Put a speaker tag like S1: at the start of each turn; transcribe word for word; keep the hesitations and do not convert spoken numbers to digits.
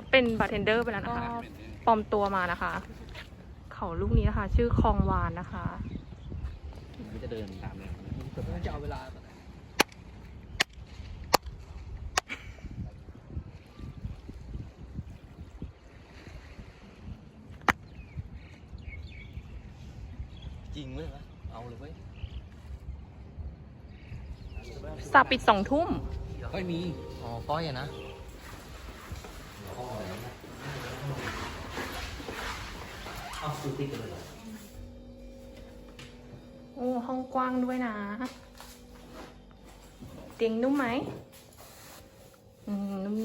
S1: เป็นบาร์เทนเดอร์ไปแล้วนะคะปลอมตัวมานะคะ เขาลูกนี้นะคะ ชื่อคองวานนะคะ
S2: มันจะเดินตามเลยจะเอาเวลาจริงเว้ยวะเอาเลยเว้ย
S1: สาปิดสองทุ่ม
S2: ก้อยมีอ๋อก้อยอะนะเอาซื้อติ๊กกันเลย
S1: โอ้ ห้องกว้างด้วยนะ เตียงนุ่มไหมอืมนุ่ม